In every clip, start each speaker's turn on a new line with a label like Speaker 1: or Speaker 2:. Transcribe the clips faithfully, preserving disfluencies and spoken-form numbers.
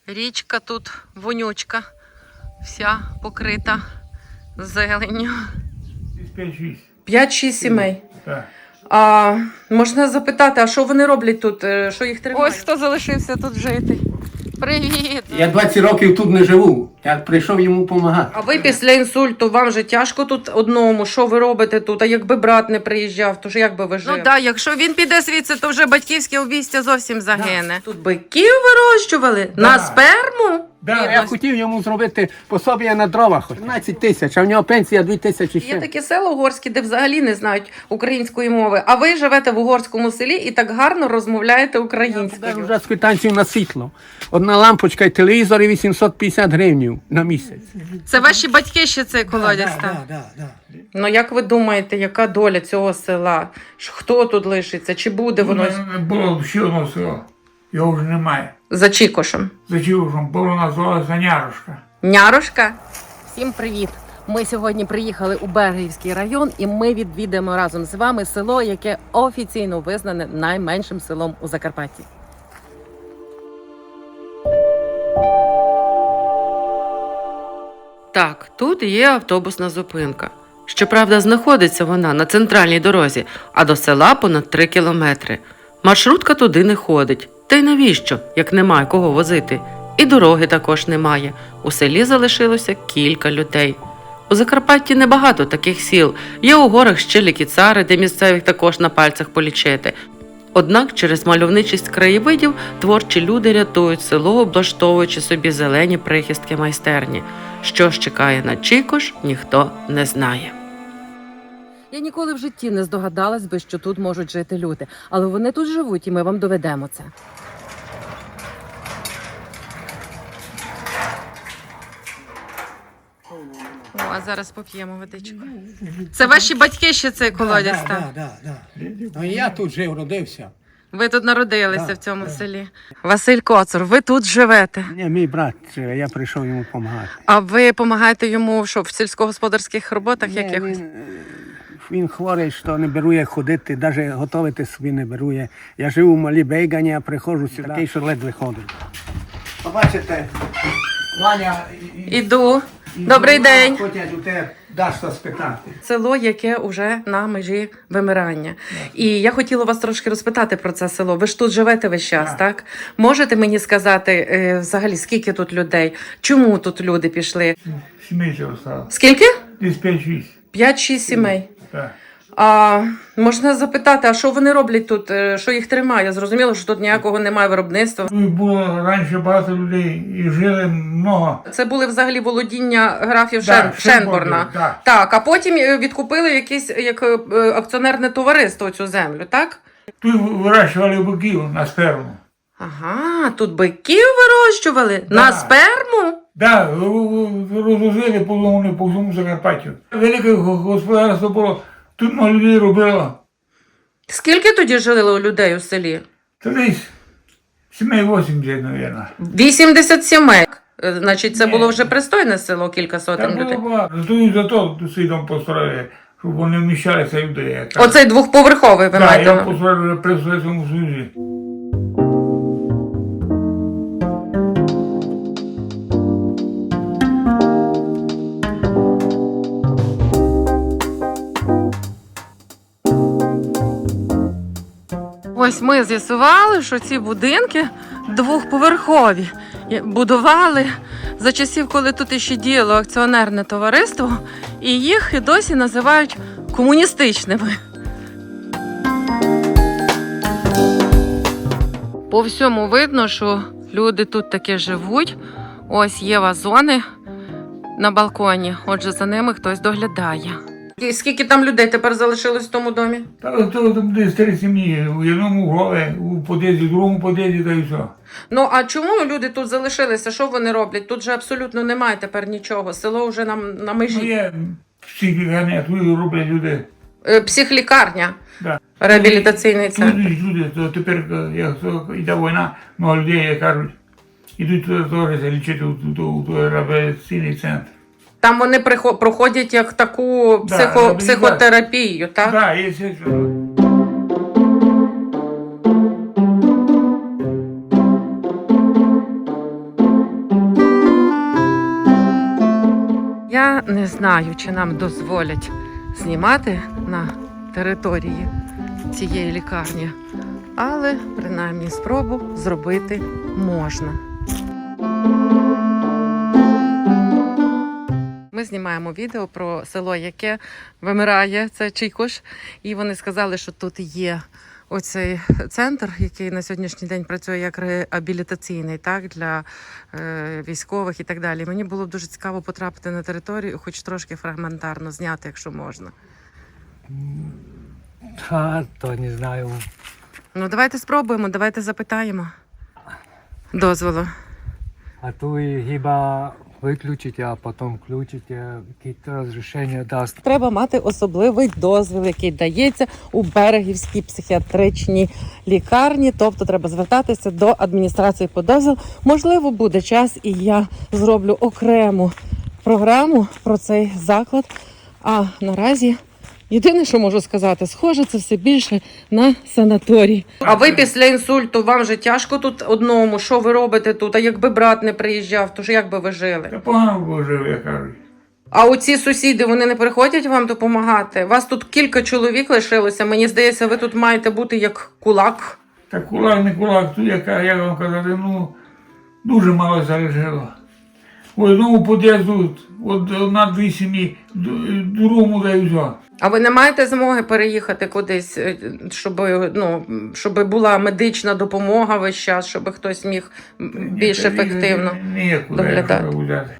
Speaker 1: Річка тут вонючка, вся покрита зеленню.
Speaker 2: п'ять-шість.
Speaker 1: П'ять-шість сімей.
Speaker 2: Так.
Speaker 1: А можна запитати, а що вони роблять тут? е, Що їх тримає? Ось хто залишився тут жити. Привіт!
Speaker 3: Я двадцять років тут не живу. Я прийшов йому допомагати.
Speaker 1: А ви після інсульту, вам же тяжко тут одному? Що ви робите тут? А якби брат не приїжджав, то ж як би ви жили? Ну так, якщо він піде звідси, то вже батьківське обійстя зовсім загине. Тут биків вирощували?
Speaker 2: Да.
Speaker 1: На сперму?
Speaker 2: Да.
Speaker 3: Я хотів йому зробити пособія на дрова, хоч тринадцять тисяч, а в нього пенсія дві тисячі
Speaker 1: Є
Speaker 3: ще.
Speaker 1: такі села угорські, де взагалі не знають української мови, а ви живете в угорському селі і так гарно розмовляєте
Speaker 3: Я
Speaker 1: українською.
Speaker 3: вже з квитанцію на світло. Одна лампочка і телевізор і вісімсот п'ятдесят гривень на місяць.
Speaker 1: Це ваші батьки ще цей колодязь там?
Speaker 4: Да, да, да.
Speaker 1: Ну як ви думаєте, яка доля цього села? Ж хто тут лишиться? Чи буде воно
Speaker 2: Не було ще одного села. Його вже немає.
Speaker 1: за Чікошем?
Speaker 2: За Чігушем було називалося Нярошка.
Speaker 1: Нярошка? Всім привіт! Ми сьогодні приїхали у Бергівський район і ми відвідаємо разом з вами село, яке офіційно визнане найменшим селом у Закарпатті. Так, тут є автобусна зупинка. Щоправда, знаходиться вона на центральній дорозі, а до села понад три кілометри. Маршрутка туди не ходить. Та й навіщо, як немає кого возити? І дороги також немає. У селі залишилося кілька людей. У Закарпатті небагато таких сіл. Є у горах ще лікіцари, де місцевих також на пальцях полічити. Однак через мальовничість краєвидів творчі люди рятують село, облаштовуючи собі зелені прихистки майстерні. Що ж чекає на Чікош, ніхто не знає. Я ніколи в житті не здогадалась би, що тут можуть жити люди. Але вони тут живуть, і ми вам доведемо це. О, а зараз поп'ємо водичку. Це ваші батьки ще цей колодязь там?
Speaker 4: Да, да, да. Ну, я тут жив, родився.
Speaker 1: Ви тут народилися
Speaker 4: Да,
Speaker 1: в цьому
Speaker 4: да.
Speaker 1: селі. Василь Коцур, ви тут живете.
Speaker 3: Ні, мій брат живе, я прийшов йому допомагати.
Speaker 1: А ви допомагаєте йому що, в сільськогосподарських роботах
Speaker 3: Ні,
Speaker 1: якихось?
Speaker 3: Він, він хворий, що не берує ходити, навіть готувати собі не берує. Я живу в Малій Бейгані, а приходжу сюди, такий, що ледве ходить. Побачите, Ваня
Speaker 1: Іду. Добрий день.
Speaker 3: Хочуть у тебе даш що спитати.
Speaker 1: Село, яке вже на межі вимирання. І я хотіла вас трошки розпитати про це село. Ви ж тут живете весь час,
Speaker 2: Так.
Speaker 1: так? Можете мені сказати е, взагалі, скільки тут людей? Чому тут люди пішли?
Speaker 2: Сімей цього стало.
Speaker 1: Скільки?
Speaker 2: Десь п'ять-шість.
Speaker 1: П'ять-шість сімей.
Speaker 2: Так.
Speaker 1: А можна запитати, а що вони роблять тут? Е, Що їх тримає? Зрозуміло, що тут ніякого немає виробництва.
Speaker 2: Тут було раніше багато людей і жили много.
Speaker 1: Це були взагалі володіння графів
Speaker 2: Да,
Speaker 1: Шен... Шенборна.
Speaker 2: Шенборна, да.
Speaker 1: Так, а потім е, відкупили якесь як е, акціонерне товариство цю землю, так?
Speaker 2: Тут вирощували биків на сперму.
Speaker 1: Ага, тут биків вирощували
Speaker 2: Да.
Speaker 1: на сперму?
Speaker 2: Так, розвозили полони по всьому Закарпаттю. Велике господарство було, тут много людей робило.
Speaker 1: Скільки тоді жили у людей у селі?
Speaker 2: Та десь сімей вісімдесят, мабуть.
Speaker 1: вісімдесят сімей. Е, Значить, це
Speaker 2: Ні.
Speaker 1: було вже пристойне село, кілька сотень
Speaker 2: Там
Speaker 1: людей.
Speaker 2: було багато. Зато і зато тут свій дом построїли, щоб вони вміщалися людей. як кажуть.
Speaker 1: Оцей двохповерховий ви
Speaker 2: Так,
Speaker 1: маєте.
Speaker 2: я
Speaker 1: на увазі?
Speaker 2: построїв вже при Совєтському Союзі.
Speaker 1: Ось ми з'ясували, що ці будинки двохповерхові. І будували за часів, коли тут іще діяло акціонерне товариство, і їх і досі називають комуністичними. По всьому видно, що люди тут таки живуть. Ось є вазони на балконі, отже, за ними хтось доглядає. І скільки там людей тепер залишилось в тому домі?
Speaker 2: Та то там десь три сім'ї, у одному голові, у под'їзді, в другому под'їзді, та й все.
Speaker 1: Ну а чому люди тут залишилися? Що вони роблять? Тут же абсолютно немає тепер нічого. Село вже на, на
Speaker 2: Ну
Speaker 1: межі.
Speaker 2: є психіка, тут роблять люди.
Speaker 1: Е, Психлікарня,
Speaker 2: Да.
Speaker 1: реабілітаційний
Speaker 2: Тут
Speaker 1: центр.
Speaker 2: йдуть люди, то тепер, як йде війна, много людей, як кажуть, ідуть туди теж лічити у, у, у, у реабілітаційний центр.
Speaker 1: Там вони прихо- проходять як таку
Speaker 2: Да,
Speaker 1: психо-
Speaker 2: реабілітацію.
Speaker 1: психотерапію, так?
Speaker 2: Так, є все.
Speaker 1: Я не знаю, чи нам дозволять знімати на території цієї лікарні, але принаймні спробу зробити можна. Ми знімаємо відео про село, яке вимирає, це Чийкош, і вони сказали, що тут є оцей центр, який на сьогоднішній день працює як реабілітаційний, так, для е, військових і так далі. Мені було б дуже цікаво потрапити на територію, хоч трошки фрагментарно зняти, якщо можна.
Speaker 5: Та, то не знаю.
Speaker 1: Ну, давайте спробуємо, давайте запитаємо дозволу.
Speaker 5: А то і хіба виключити, а потім включити, якісь розрішення дасть.
Speaker 1: Треба мати особливий дозвіл, який дається у Берегівській психіатричній лікарні. Тобто треба звертатися до адміністрації по дозвіл. Можливо, буде час, і я зроблю окрему програму про цей заклад. А наразі єдине, що можу сказати, схоже, це все більше на санаторій. А ви після інсульту, вам же тяжко тут одному? Що ви робите тут? А якби брат не приїжджав, то ж як би ви жили?
Speaker 2: Та погано було жив, як кажуть.
Speaker 1: А оці сусіди, вони не приходять вам допомагати? Вас тут кілька чоловік лишилося. Мені здається, ви тут маєте бути як кулак.
Speaker 2: Та кулак, не кулак, тут, яка, як вам казати, ну, дуже мало залишило. В одному під'їзду, от одна-дві сім'ї, д- другому дають все.
Speaker 1: А ви не маєте змоги переїхати кудись, е, щоб, ну, щоб була медична допомога весь час, щоб хтось міг м, більш ефективно
Speaker 2: Ніякуди,
Speaker 1: доглядати?
Speaker 2: якщо взяти.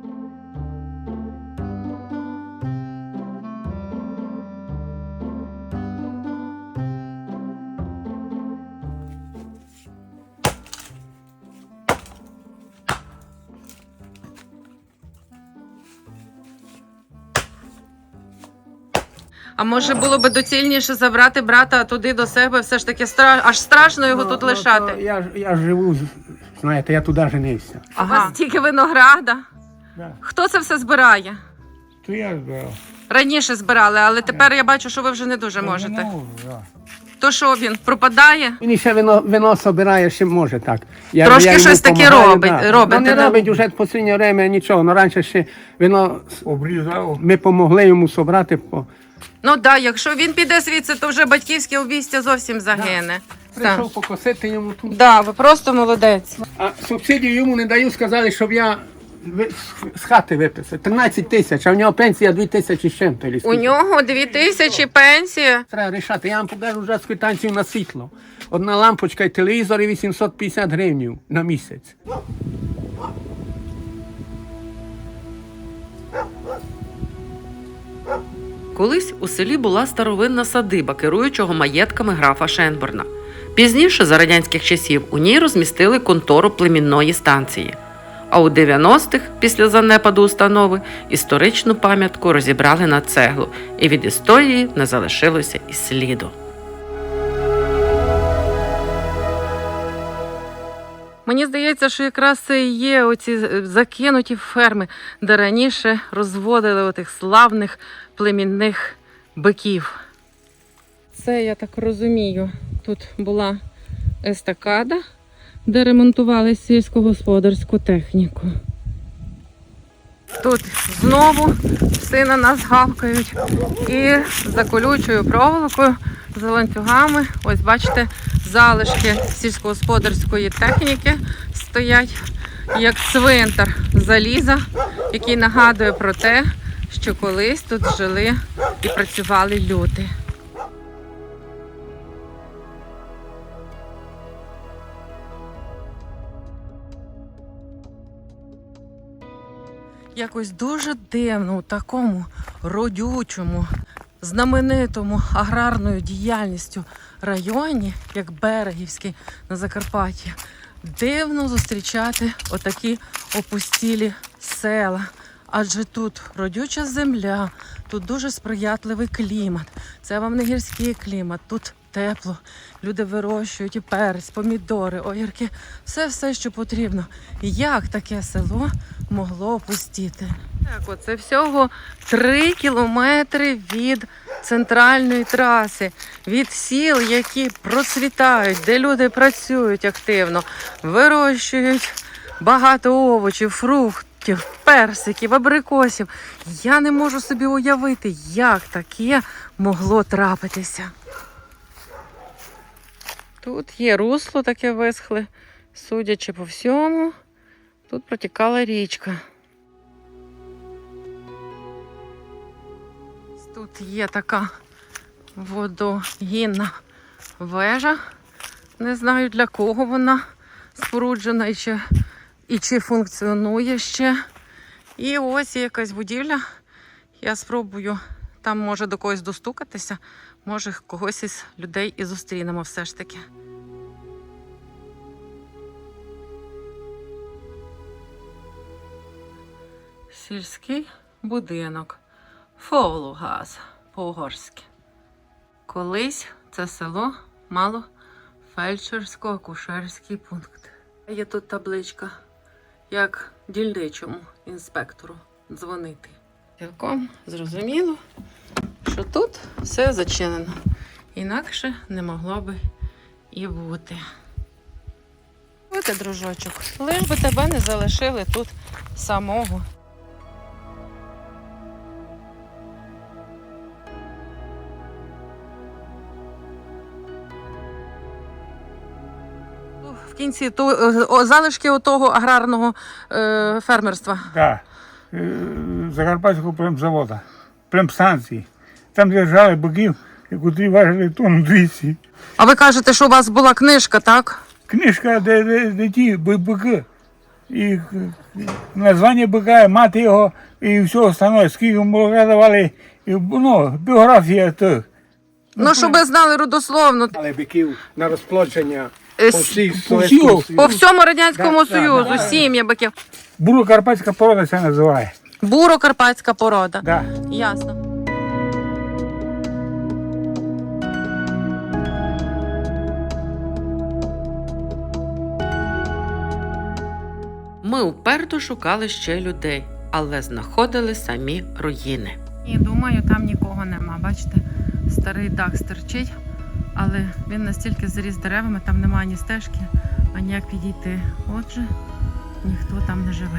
Speaker 1: А може було би доцільніше забрати брата туди до себе? Все ж таки стра... аж страшно його
Speaker 3: Ну,
Speaker 1: тут
Speaker 3: ну,
Speaker 1: лишати.
Speaker 3: то Я, ж- я ж живу, знаєте, я туди женився.
Speaker 1: Ага. У вас тільки винограда.
Speaker 2: Да.
Speaker 1: Хто це все збирає?
Speaker 2: То я збирав.
Speaker 1: Раніше збирали, але тепер я бачу, що ви вже не дуже можете.
Speaker 2: Не можу, да.
Speaker 1: То що він пропадає?
Speaker 3: Він ще вино, вино собирає, ще може так. Я,
Speaker 1: Трошки
Speaker 3: йому
Speaker 1: щось таке
Speaker 3: помагаю,
Speaker 1: робить-
Speaker 3: да.
Speaker 1: робите,
Speaker 3: Ну, не
Speaker 1: да?
Speaker 3: робить вже в останнє время нічого. Ну, раніше ще вино,
Speaker 2: Обрізав.
Speaker 3: ми допомогли йому собрати. По...
Speaker 1: Ну так, да, якщо він піде звідси, то вже батьківське обійстя зовсім загине. Так.
Speaker 3: Прийшов покосити йому тут.
Speaker 1: Да, ви просто молодець.
Speaker 3: А субсидію йому не даю, сказали, щоб я ви- з хати виписав. тринадцять тисяч, а в нього пенсія дві тисячі з чим-то. чи
Speaker 1: У
Speaker 3: скільки.
Speaker 1: нього дві тисячі пенсія.
Speaker 3: Треба рішати. Я вам покажу вже з квитанцію на світло. Одна лампочка і телевізор і вісімсот п'ятдесят гривень на місяць.
Speaker 1: Колись у селі була старовинна садиба керуючого маєтками графа Шенборна. Пізніше, за радянських часів, у ній розмістили контору племінної станції. А у дев'яностих, після занепаду установи, історичну пам'ятку розібрали на цеглу, і від історії не залишилося і сліду. Мені здається, що якраз це і є оці закинуті ферми, де раніше розводили отих славних племінних биків. Це, я так розумію, тут була естакада, де ремонтували сільськогосподарську техніку. Тут знову пси на нас гавкають і за колючою проволокою, за ланцюгами, ось бачите, залишки сільськогосподарської техніки стоять, як цвинтар заліза, який нагадує про те, що колись тут жили і працювали люди. Якось дуже дивно у такому родючому, знаменитому аграрною діяльністю районі, як Берегівський на Закарпатті, дивно зустрічати отакі опустілі села. Адже тут родюча земля, тут дуже сприятливий клімат. Це вам не гірський клімат, тут тепло. Люди вирощують і перець, помідори, огірки, все-все, що потрібно. Як таке село могло опустіти? Так, оце всього три кілометри від центральної траси, від сіл, які процвітають, де люди працюють активно, вирощують багато овочів, фруктів, фруктів, персиків, абрикосів. Я не можу собі уявити, як таке могло трапитися. Тут є русло таке висхле, судячи по всьому, тут протікала річка. Тут є така водогінна вежа. Не знаю, для кого вона споруджена і чи, і чи функціонує ще. І ось є якась будівля. Я спробую там, може, до когось достукатися. Може, когось із людей і зустрінемо все ж таки. Сільський будинок. Фолугаз по-угорськи. Колись це село мало фельдшерсько-акушерський пункт. Є тут табличка, як дільничому інспектору дзвонити. Цілком зрозуміло, що тут все зачинено. Інакше не могло би і бути. Ось, дружочок, лиш би тебе не залишили тут самого. В кінці то, о, залишки отого аграрного е, фермерства.
Speaker 2: Так. Е, Закарпатського племзавода, племстанції. Там держали биків, котрі важили тонну двісті.
Speaker 1: А ви кажете, що у вас була книжка, так?
Speaker 2: Книжка, де, де, де ті би- бики. І е, названня бика, мати його і все остальне, скільки молока давали, і, ну, біографія тих.
Speaker 1: Ну, щоб ви знали родословно.
Speaker 3: Але биків на розплодження
Speaker 1: Е,
Speaker 3: по
Speaker 1: с-
Speaker 3: всій
Speaker 2: по
Speaker 3: Совєтському
Speaker 2: всій-
Speaker 1: По
Speaker 3: Союзу.
Speaker 1: всьому Радянському
Speaker 3: Да, да,
Speaker 1: Союзу,
Speaker 3: да.
Speaker 1: сім'я биків.
Speaker 2: Буро-карпатська порода це називає.
Speaker 1: Буро-карпатська порода.
Speaker 2: Да.
Speaker 1: Ясно. Ми уперто шукали ще людей, але знаходили самі руїни. І думаю, там нікого нема. Бачите, старий дах стирчить, але він настільки заріс деревами, там немає ні стежки, ані як підійти. Отже, ніхто там не живе.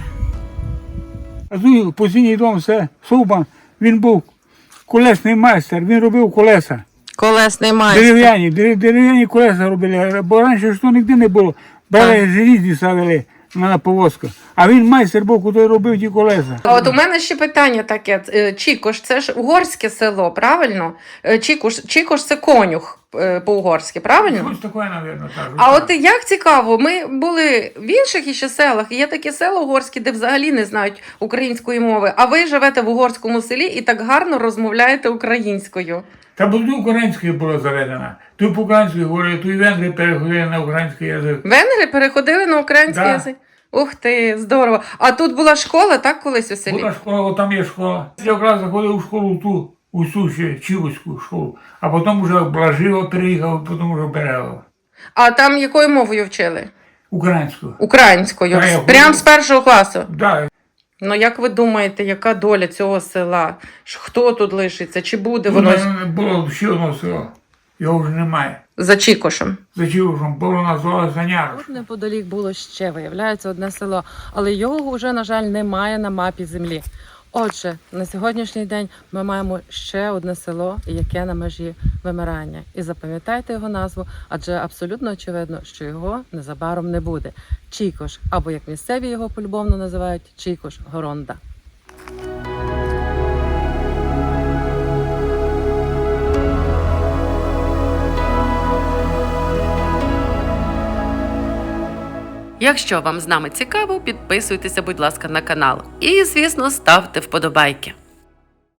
Speaker 2: А тут постійний дом, це Субан, він був колесний майстер, він робив колеса.
Speaker 1: Колесний майстер.
Speaker 2: Дерев'яні, дерев- дерев'яні колеса робили, бо раніше ж то ніде не було. Брали желізні ставили на повозку. А він майстер був, який робив ті колеса.
Speaker 1: А от у мене ще питання таке. Е, Чікош, це ж угорське село, правильно? Е, Чікош, Чікош це конюх е, по-угорськи, правильно?
Speaker 2: Щось таке, мабуть, так.
Speaker 1: А от як цікаво, ми були в інших іще селах, і є такі села угорські, де взагалі не знають української мови, а ви живете в угорському селі і так гарно розмовляєте українською.
Speaker 2: Та бо тут українською було заведено. Тут по-українськи говорили, тут і венгри переходили на український язик.
Speaker 1: Венгри переходили на український
Speaker 2: Да.
Speaker 1: язик? Ух ти, здорово. А тут була школа, так, колись у селі?
Speaker 2: Була школа, от там є школа. Я якраз заходив у школу ту, у цю ще Чівську школу. А потім вже в Блаживо переїхав, потім вже в Берегово.
Speaker 1: А там якою мовою вчили?
Speaker 2: Українською.
Speaker 1: Українською.
Speaker 2: Та, я
Speaker 1: Прям
Speaker 2: говорю.
Speaker 1: з першого класу.
Speaker 2: Да.
Speaker 1: Ну як ви думаєте, яка доля цього села? Ж хто тут лишиться? Чи буде
Speaker 2: Тут
Speaker 1: воно
Speaker 2: мене було ще одне село. Його вже немає.
Speaker 1: за Чікошем?
Speaker 2: За Чівушем було називалося Нярош.
Speaker 1: Тут неподалік було ще, виявляється, одне село, але його вже, на жаль, немає на мапі землі. Отже, на сьогоднішній день ми маємо ще одне село, яке на межі вимирання. І запам'ятайте його назву, адже абсолютно очевидно, що його незабаром не буде. Чікош, або як місцеві його полюбовно називають, Чікош-Горонда. Якщо вам з нами цікаво, підписуйтеся, будь ласка, на канал. І, звісно, ставте вподобайки.